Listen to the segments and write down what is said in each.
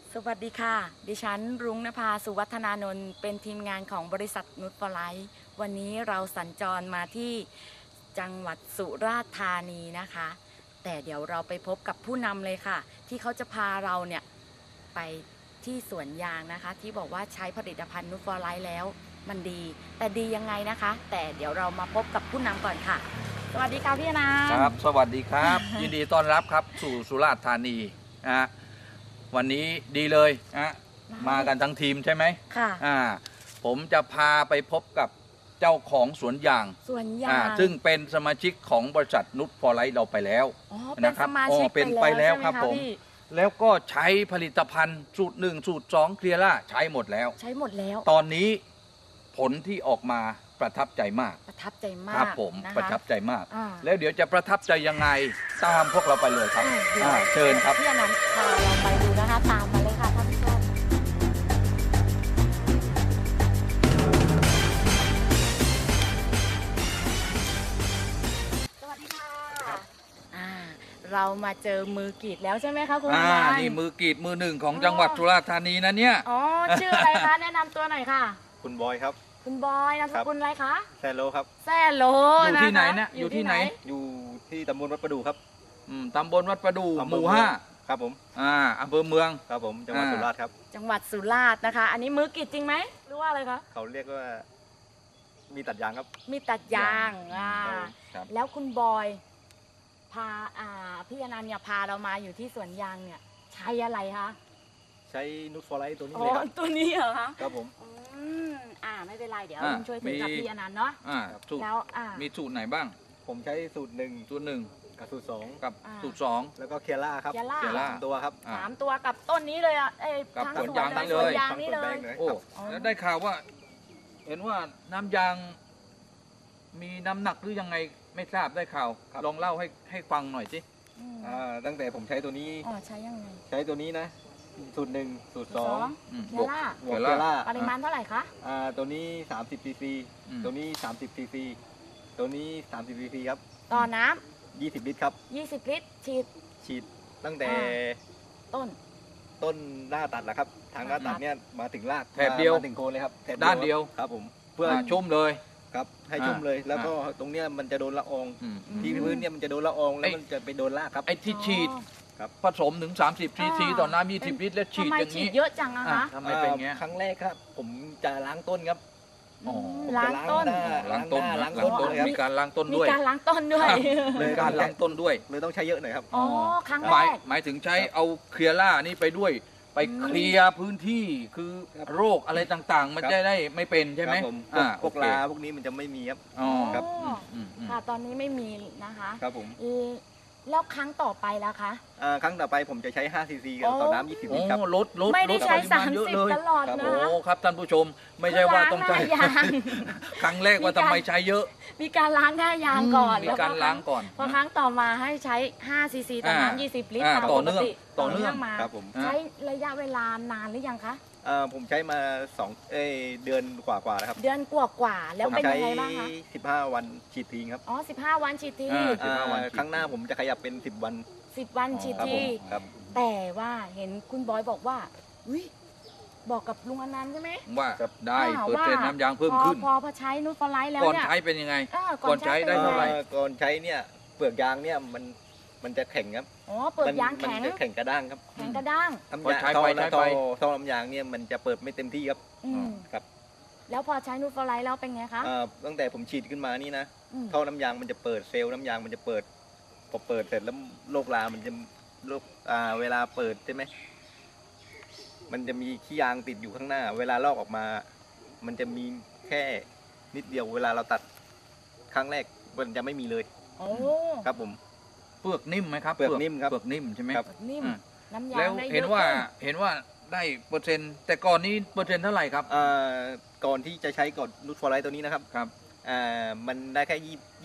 สวัสดีค่ะ ดิฉันรุ้งนภา สุวัฒนานนท์เป็นทีมงานของบริษัทนุชฟอร์ไลท์วันนี้เราสัญจรมาที่จังหวัดสุราษฎร์ธานีนะคะ แต่เดี๋ยวเราไปพบกับผู้นำเลยค่ะ ที่เขาจะพาเราเนี่ยไปที่สวนยางนะคะ ที่บอกว่าใช้ผลิตภัณฑ์นุชฟอร์ไลท์แล้วมันดี แต่ดียังไงนะคะ แต่เดี๋ยวเรามาพบกับผู้นำก่อนค่ะ สวัสดีค่ะพี่อนันต์ครับสวัสดีครับ ยินดีต้อนรับครับสู่สุราษฎร์ธานีนะฮะวันนี้ดีเลยนะมากันทั้งทีมใช่ไหมค่ะผมจะพาไปพบกับเจ้าของสวนยางสวนยางซึ่งเป็นสมาชิกของบริษัทนุชฟอร์ไลท์เราไปแล้วอ๋อเป็นสมาชิกเป็นไปแล้วครับใช่ไหผมพี่แล้วก็ใช้ผลิตภัณฑ์สูตร1สูตร2เคลียร่าใช้หมดแล้วใช้หมดแล้วตอนนี้ผลที่ออกมาประทับใจมากประทับใจมาครักบผมนะคะประทับใจมากอ่าแล้วเดี๋ยวจะประทับใจยังไงตามพวกเราไปเลยครับเดี๋ยวเชิญครับพี่อนันต์พาเราไปดูนะคะ ตามมาเลยค่ะท่านผู้ชมสวัสดีค่ะเรามาเจอมือกรีดแล้วใช่ไหมคะคุณอนันต์นี่มือกรีดมือหนึ่งของจังหวัดสุราษฎร์ธานีนะเนี่ยอ๋อชื่ออะไรคะแนะนำตัวหน่อยค่ะคุณบอยครับคุณบอยนามสกุลอะไรคะแซโลครับแซ่โลอยู่ที่ไหนนะคอยู่ที่ไหนอยู่ที่ตำบลวัดประดูครับตำบลวัดประดูอำหเภอมู่เมือง 5 ครับผมอำเภอเมืองครับผมจังหวัดอ่าสุราษฎร์ครับจังหวัดสุราษฎร์นะคะ อันนี้มือกรีดจริงไหมหรือว่าอะไรคะเขาเรียกว่ามีตัดยางครับมีตัดยางครับแล้วคุณบอยพาพี่อนันต์เนี่ยพาเรามาอยู่ที่สวนยางเนี่ยใช้อะไรคะใช้นูตฟอร์ไลท์ตัวนี้อ๋อเลยครับตัวนี้เหรอคะครับผมไม่เป็นไรเดี๋ยวอ่าลุงช่วยถือกับมีพี่อนันต์เนาะสูตรแล้วมีสูตรไหนบ้างผมใช้สูตร1 สูตรหนึ่งกับสูตร2 กับอ่าสูตร2 แล้วก็เคียร่าครับเคียร่าเคียร่าตัวครับอ่าสามตัวกับต้นนี้เลยอ่ะกับทั้งสวนสวนยางเลนี่ยเลสวนยยางนี่เลทั้งสวนแป้ยงเลยโอ้ครับอ๋อแล้วได้ข่าวว่า เห็นว่าน้ำยางมีน้ำหนักหรือยังไงไม่ทราบได้ข่าว ลองเล่าให้ฟังหน่อยสิอืมตั้งแต่ผมใช้ตัวนี้อ๋อใช้ยังไงใช้ตัวนี้นะ สูตร1สูตรสองอืมเคียร่า 2บวกเคียร่าปริมาณเท่าไหร่คะตัวนี้30ซีซีอืมตัวนี้30ซีซีตัวนี้30ซีซีครับต่อน้ 20ลิตรครับำ20 ลิตรฉีดฉีดตั้งแต่อ่า ต้นต้นหน้าตัดแหละครับ ทางหน้าตัดเนี่ยมาถึงรากแถบเดียวมาถึงโคนเลยครับแถบด้านเดียวครับผมเพื่อชุ่มเลยครับให้ชุ่มเลย แล้วก็ตรงเนี้ยมันจะโดนละอองอืมที่พื้นเนี่ยมันจะโดนละอองแล้วไอ้มันจะไปโดนรากครับไอ้ที่ฉีดครับผสมถึง30ซีซีต่อน้ำ20 ลิตรแล้วฉีดทำไมอย่างฉีนี้ดเยอะจังอะคะทำไมเป็นอย่างเงี้ยครั้งแรกครับ ผมจะล้างต้นครับอ๋อผมล้าจะงต้นหน้ล้างต้นล้างล้างต้นต้นเลยครับมีการล้างต้นมีด้วยการล้างต้นด้วยมีการล้างต้นด้วยเลยต้องใช้เยอะหน่อยครับอ๋อ ครั้งหแรมายกหมายถึงใช้เอาเคลียร่านี่ไปด้วย ไปเคลียร์พื้นที่คือครับโรคอะไรต่างๆ มันครับจะได้ไม่เป็นใช่ไหมครับผมพวกโอเคลาพวกนี้มันจะไม่มีครับอ๋อครับอืมค่ะ ตอนนี้ไม่มีนะคะครับผมแล้วครั้งต่อไปแล้วคะครั้งต่อไปผมจะใช้5ซีซีต่อน้ำ20 โอ้ลิตรครับลดไม่ได้ใช้ลปริมาณเยอะเลย 30 ตลอดครับนะโอ้คะครับท่านผู้ชม ไม่ใช่ว่าต้องใช้ล้างหน้ายางครั้งแรกว่าทำไมใช้เยอะมีการล้างหน้ายางก่อนมีการล้างก่อนพอครั้งต่อมาให้ใช้5 ซีซีต่อน้ำ20 ลิตรอ่าตามต่ปอก เนื่องติต่อเนื่องมาครับผมใช้ระยะเวลานานหรือยังคะผมใช้มาเดือนกว่าๆนะครับเดือนกว่าๆแล้วผมเป็นใช้ยังไงบ้างคะ 15 วันฉีดทิ้งครับอ๋อ15 วันฉีดที 15 วันฉีดครั้งหน้าผมจะขยับเป็น10 วัน 10 วันฉีดครับทีผมครับแต่ว่าเห็นคุณบอยบอกว่าอุ๊ยบอกกับลุงอนันต์ใช่ไหมว่าได้อ่าเปอร์เซ็นต์ว่าน้ำยางเพิ่มขึ้นพอใช้นูตฟอร์ไลท์แล้วก่อนเนี่ยใช้เป็นยังไงก่อนใช้ก่อนใช้ได้เป็นเท่าไหร่งก่อนใช้เนี่ยเปลือกยางเนี่ยมันจะแข็งครับอ๋อเปิดยางแข็งมันจะแข็งกระด้างครับแข็งกระด้างน้ำพอยางใช้ท่อไปใช้ไปท่อน้ำยางเนี่ยมันจะเปิดไม่เต็มที่ครับอืมครับแล้วพอใช้นูตฟอร์ไลท์แล้วเป็นไงคะตั้งแต่ผมฉีดขึ้นมานี่นะอืมท่อน้ำยางมันจะเปิดเซลล์น้ำยางมันจะเปิดพอเปิดเสร็จแล้วโรครามันจะเวลาเปิดใช่ไหมมันจะมีขี้ยางติดอยู่ข้างหน้า เวลาลอกออกมา มันจะมีแค่นิดเดียวเวลาเราตัดครั้งแรกมันจะไม่มีเลยโอ้ครับผมเปลือกนิ่มไหมครับเปลือกนิ่มครับเปลือกนิ่มใช่ไหมครับนิ่มอืมน้ำยาแล้งวได้เยเห็นอะว่าขึ้นเห็นว่าได้เปอร์เซ็นต์แต่ก่อนนี้เปอร์เซ็นต์เท่าไหร่ครับก่อนที่จะใช้ก่อนนูตฟอร์ไลท์ตัวนี้นะครับครับมันได้แค่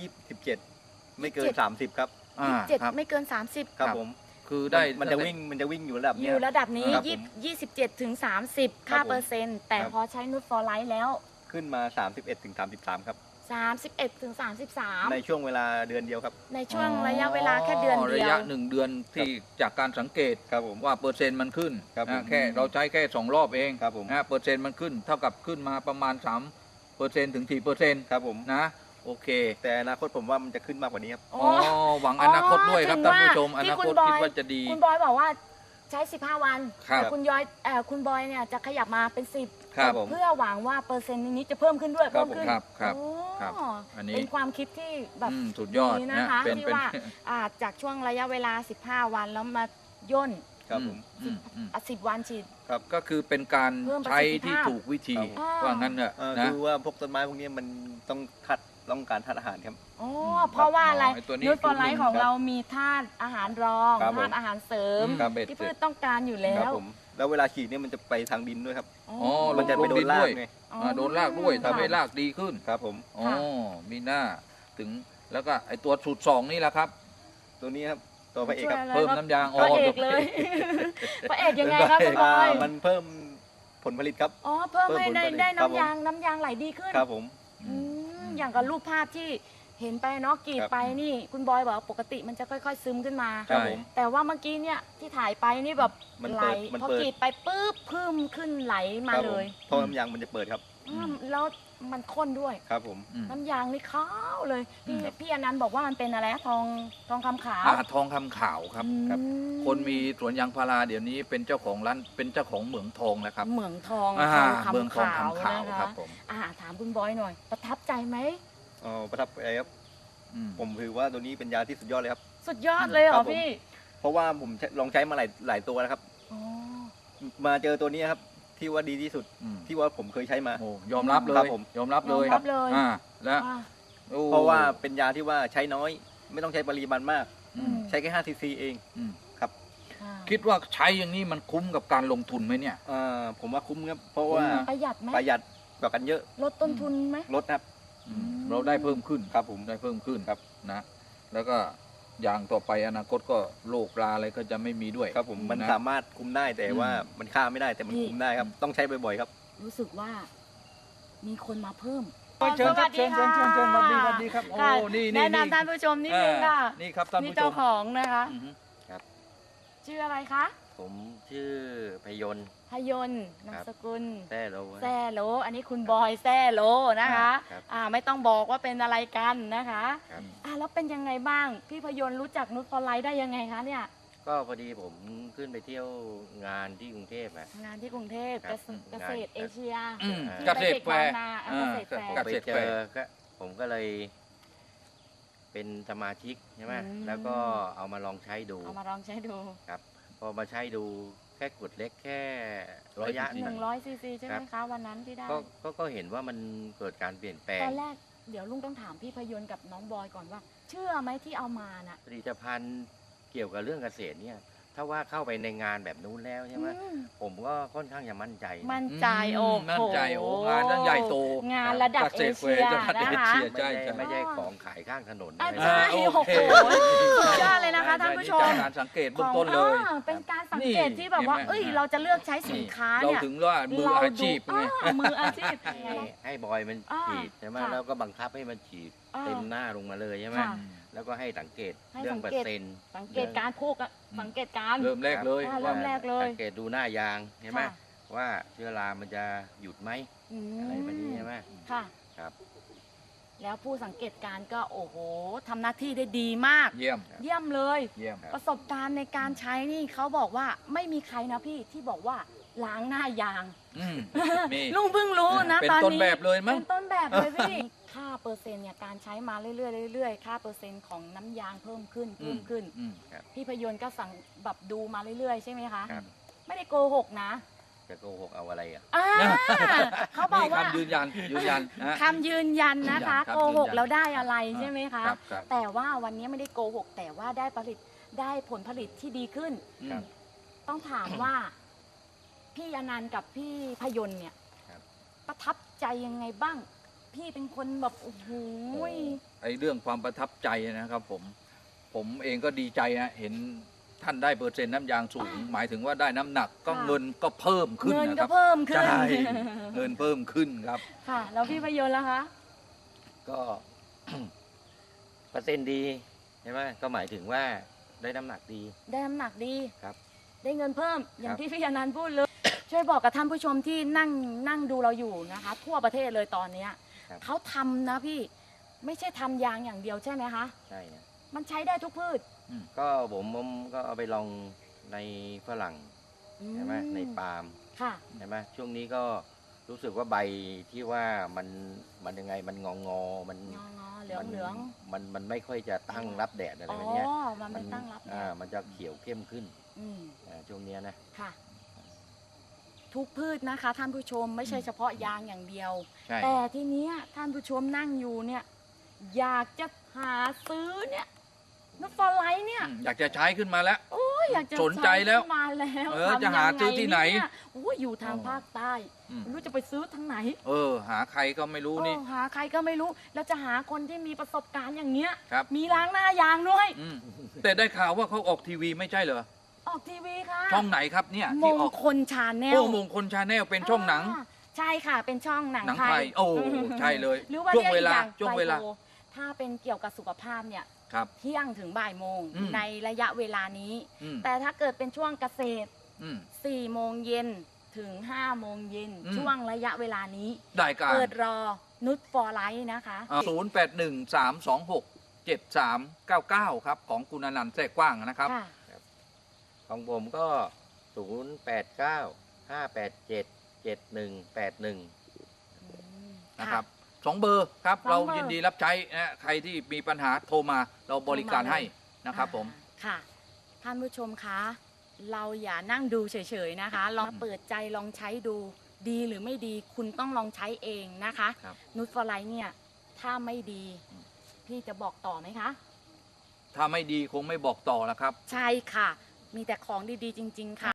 27ไม่เกิน 30 ครับ 27 ครับไม่เกิน 30 ครับผมคือได้มันจะวิ่งอยู่ระดับอเนี้ยยู่ระดับนี้ครับผม 27ถึง30 ค่าครับผมเปอร์เซ็นต์ แต่ครับพอใช้นูตฟอร์ไลท์แล้วขึ้นมา31 ถึง 33 ครับ 31 ถึง 33 ในช่วงเวลาเดือนเดียวครับในช่วงระยะเวลาแค่เดือนเดีระยยะว 1 เดือนที่จากการสังเกตครับผมว่าเปอร์เซ็นต์มันขึ้นครับผมแค่เราใช้แค่2 รอบเองครับผมเปอร์เซ็นต์มันขึ้นเท่ากับขึ้นมาประมาณ3%ถึง4% ครับผมนะโอเคแต่อนาคตผมว่ามันจะขึ้นมากกว่านี้ครับอ๋อ๋ออหวังอนาคตด้วยครับถึท่าง นว่าผู้ชมอที่นาคุคณตบอยคิดว่าจะดีคุณบอยบอกว่าใช้ 15 วันครับแต่คุณบอยเนี่ยจะขยับมาเป็น 10 ครับผมเพื่อหวังว่าเปอร์เซ็นต์นี้จะเพิ่มขึ้นด้วยครัเพิ่บมขึ้นครับครับโอ้ครับอันนี้เป็นความคิดที่แบบสุดยอดดีนะนะคะเป็นที่เป็นว่าจากช่วงระยะเวลา 15 วันแล้วมาย่นครับผม 10 วันฉีดก็คือเป็นการเพิ่มประใช้สิทธิภาพที่ถูกวิธีอ่าว่างั้นเถอะคืนะอว่าพวกต้นไม้พวกนี้มันต้องการธาตุอาหารครับอ๋อเพราะว่าอะไรไอ้ตัวนี้นูตฟอร์ไลท์ของครับเรามีธาตุอาหารรองครับผมธาตุอาหารเสริมครับที่พืชต้องการอยู่แล้ครับวผมแล้วเวลาฉีดเนี่ยมันจะไปทางดินด้วยครับอ๋อมันจะไปโดนรากไงอ๋อโดนรากด้วยครับทำให้รากดีขึ้นครับผมอ๋อค่ะมีหน้าถึงแล้วก็ไอตัวสูตร2นี่แหละครับตัวนี้ครับตัวพระเอกครับช่วยอะไรเพิ่มน้ำยางพระเอกเลย พระเอกยังไงครับคุณบอยมันเพิ่มผลผลิตครับอ๋อเพิ่มให้เพิ่มผลผลิตได้ครับผมน้ำยางไหลดีขึ้นครับผมอืมอย่างกับรูปภาพที่เห็นไปเนาะกรีดครับไปนี่คุณบอยบอกว่าปกติมันจะค่อยๆซึมขึ้นมาครับผมแต่ว่าเมื่อกี้เนี่ยที่ถ่ายไปนี่แบบมันไหลเปิดมันพอเปิดกรีดไปปุ๊บพึ่มขึ้นไหลมาครับเลผมยท่อน้ำยางมันจะเปิดครับแล้วมันข้นด้วยครับผมน้ำยางนี่ขาวเลยพี่ครับพี่อนันต์บอกว่ามันเป็นอะไรนะทองคำขาวทองคำขาวครับครับอืคนมีสวนยางพาราเดี๋ยวนี้เป็นเจ้าของร้านเป็นเจ้าของเหมืองทองแล้วครับเหมืองทองเมืองทองขาวคำขาวนะครัคะบผมถามคุณบอยหน่อย ประทับใจไหมอ๋อประทับใจครับอืมผมถือว่าตัวนี้เป็นยาที่สุดยอดเลยครับสุดยอดเลยเหรครัอบผมพี่เพราะว่าผมลองใช้มาหลายตัวแล้วครับอ๋อมาเจอตัวนี้ครับที่ว่าดีที่สุดอืมที่ว่าผมเคยใช้มาโอ้ยอมรับเลครัยบผมยอมรับเลยยอมรับเลยแล้วอ่ะโอ้เพราะว่าเป็นยาที่ว่าใช้น้อย ไม่ต้องใช้ปริมาณมากอืมใช้แค่5 ซีซีเองอืมครับอ่าคิดว่าใช้อย่างนี้มันคุ้มกับการลงทุนไหมเนี่ยผมว่าคุ้มครับ เพราะว่าคุ้มนะประหยัดไหมประหยัดกว่ากันเยอะลดต้นทุนไหมลดครับเราได้เพิ่มขึ้นครับผมได้เพิ่มขึ้นครับนะ แล้วก็อย่างต่อไปอนาคตก็โรคราอะไรก็จะไม่มีด้วยครับผมมันนะสามารถคุมได้แต่ว่ามันฆ่าไม่ได้แต่มันคุมได้ครับ ต้องใช้บ่อยๆครับรู้สึกว่ามีคนมาเพิ่มเชิญครับเชิญสวัสดีครับโอ้ค่ะนี่แนะนำท่านผู้ชมนิดนึงค่ะนี่ครับท่านนี่ผู้ชเจ้าม ของนะคะอือฮึชื่ออะไรคะผมชื่อพยนต์พยนต์นามสกุลแต้โลแซ่โล อันนี้คุณบอยแซ่โลนะคะครับไม่ต้องบอกว่าเป็นอะไรกันนะคะครับแล้วเป็นยังไงบ้าง พี่พยนต์รู้จักนุชฟอร์ไลท์ได้ยังไงคะเนี่ยก็พอดีผมขึ้นไปเที่ยวงานที่กรุงเทพอะงานที่กรุงเทพครับเกษตรเอเชียอืมที่เกษตรแฟร์ไปเด็กบางนาอ่าเกษตรแฟร์ผมเกไปษตรเจแฟอร์ก็ผมก็เลย เป็นสมาชิกใช่ไหมอืมแล้วก็เอามาลองใช้ดูเอามาลองใช้ดูพอมาใช้ดูแค่กดเล็กแค่ระยะหนึ่ง 100 ซีซีใช่ไหมคะวันนั้นที่ได้ก็เห็นว่ามันเกิดการเปลี่ยนแปลตงอนแรกเดี๋ยวลุงต้องถามพี่พยนต์กับน้องบอยก่อนว่า เชื่อไหมที่เอามาน่ะผลิตภัณฑ์เกี่ยวกับเรื่องเกษตรเนี่ย ถ้าว่าเข้าไปในงานแบบนู้นแล้วใช่ไหมอืมผมก็ค่อนข้างจะมั่นใจนะมั่นใจโอ้โหมั่นใจโอ้งานตั้งใหญ่โตงานระดับเกเอษตรแฟเชีร์ยจังหวัดเอนะคะเชียไม่ใช่ใช่ใช่ไม่ใช่ของขายข้างถนนอ่ะอะไรใช่นะโอโอ้เคโหสุดยอดเลยนะคะท่านผู้ชมการสังเกตเบื้องต้นเลยเป็นการสังเกตที่แบบว่านี่เอ้ยเห็นไหมเราจะเลือกใช้สินค้าเราเนี่ยถึงว่ามืออาชีพไงมืออาชีพให้บอยมันอ่าฉีดใช่ไหมค่ะแล้วก็บังคับให้มันฉีดอ่าเต็มหน้าลงมาเลยใช่ไหมค่ะแล้วก็ให้สังเกตให้เรื่องสัเปองเกตร์เซ็นต์สังเกตการพูกอะสังเกตการเริ่มแรกเลยอ่าเริ่มแรกเลยสังเกตดูหน้ายางใช่ไหมค่ะว่าเชื้อรามันจะหยุดไหม อะไรแบบนี้ใช่ไหมค่ะครับแล้วผู้สังเกตการณ์ก็โอ้โหทำหน้าที่ได้ดีมากเยี่ยมเยี่ยมเลยเยี่ยมประสบการณ์ในการใช้นี่เขาบอกว่าไม่มีใครนะพี่ที่บอกว่าล้างหน้ายางอืมมีลุงเพิ่งรู้นะเป็นตอนต้นนี้แบบเลยมั้งเป็นต้นแบบเลยพี่ ค่าเปอร์เซ็นต์เนี่ยการใช้มาเรื่อยๆเรื่อยๆค่าเปอร์เซ็นต์ของน้ำยางเพิ่มขึ้นอืมพี่พยนต์ก็สั่งแบบดูมาเรื่อยๆใช่ไหมคะครับไม่ได้โกหกนะจะโกหกเอาอะไรอ่ะอ่าเขาบอกนี่ว่าคำยืนยันนะคำยืนยันนะคะยืนยันครับโกหกยืนยันแล้วได้อะไรใช่ไหมคะครับครับแต่ว่าวันนี้ไม่ได้โกหก แต่ว่าได้ผลผลิตที่ดีขึ้นครับต้องถามว่า พี่อนันต์กับพี่พยนต์เนี่ยครับประทับใจยังไงบ้าง พี่เป็นคนแบบโอ้โหไอเรื่องความประทับใจนะครับผมเองก็ดีใจนะเห็นท่านได้เปอร์เซ็นต์น้ำยางสูง หมายถึงว่าได้น้ำหนักก็เงินก็เพิ่มขึ้นเงินนะคก็รับเพิ่มขึ้นใช่เงินเพิ่มขึ้นครับค่ะ แล้วพี่พยนต์ล่ะคะก็ เปอร์เซ็นต์ดีใช่ไหมก็หมายถึงว่าได้น้ำหนักดีได้น้ำหนักดีครับได้เงินเพิ่มอย่าคงรับที่พี่อนันต์พูดเลย ช่วยบอกกับท่านผู้ชมที่นั่งดูเราอยู่นะคะ ทั่วประเทศเลยตอนเนี้ยครับเขาทำนะพี่ไม่ใช่ทำยางอย่างเดียวใช่ไหมคะใช่นะมันใช้ได้ทุกพืชก็ผมก็เอาไปลองในฝรั่งใช่ไหมในปาล์มค่ะใช่ไหมช่วงนี้ก็รู้สึกว่าใบที่ว่ามันยังไงมันงองอมันงอเหลืองเหลืองมันไม่ค่อยจะตั้งรับแดดอะไรอ๋อแบบเนี้ยมันไม่ตั้งรับแดดมันจะเขียวเข้มขึ้นอืมช่วงเนี้ยนะค่ะ ทุกพืชนะคะ ท่านผู้ชมไม่ใช่เฉพาะยางอย่างเดียวใช่แต่ทีเนี้ยท่านผู้ชมนั่งอยู่เนี่ย อยากจะหาซื้อเนี่ยนุชฟอร์ไลท์เนี่ยอยากจะใช้ขึ้นมาแล้วโอ้ยอยากจะสนใจแล้วซื้อมาแล้วจะทำหายังไงซื้อที่ไหนเยโอ้ยอยู่ทางภาคใต้อืมไม่รู้จะไปซื้อทางไหนหาใครก็ไม่รู้นี่หาใครก็ไม่รู้ แล้วจะหาคนที่มีประสบการณ์อย่างเนี้ยครับมีล้างหน้ายางด้วยอืมแต่ได้ข่าวว่าเขาออกทีวีไม่ใช่เหรอออกทีวีค่ะช่องไหนครับเนี่ยมที่งออกคลชาแนลโอ้มงคลชาแนลเป็นช่องหนังใช่ค่ะ เป็นช่องหนังหนังไทไทยย โอ้ใช่เลยหรือว่าช่วงเรียกเวอีกลาอย่างช่วงเวลาไบโพถ้าเป็นเกี่ยวกับสุขภาพเนี่ยครับเที่ยงถึงบ่ายโมงอืมในระยะเวลานี้อืมแต่ถ้าเกิดเป็นช่วงเกษตรอืม 4 โมงเย็นถึง 5 โมงเย็นอืมช่วงระยะเวลานี้ได้การเปิดรอนุชฟอร์ไลท์นะคะ 0813267399 ครับ ของคุณอนันต์แทรกกว้างนะครับค่ะของผมก็ 0895877181 นะครับสองเบอร์ครับสองเบอร์เรายินดีรับใช้นะใครที่มีปัญหาโทรมาเราบริการให้นะครับผมค่ะ ท่านผู้ชมคะ เราอย่านั่งดูเฉยๆนะคะ ลองเปิดใจลองใช้ดูดีหรือไม่ดีคุณต้องลองใช้เองนะคะครับนุชฟอร์ไลท์เนี่ย ถ้าไม่ดี พี่จะบอกต่อไหมคะถ้าไม่ดีคงไม่บอกต่อแล้วครับใช่ค่ะ มีแต่ของดีๆจริง ๆ ค่ะ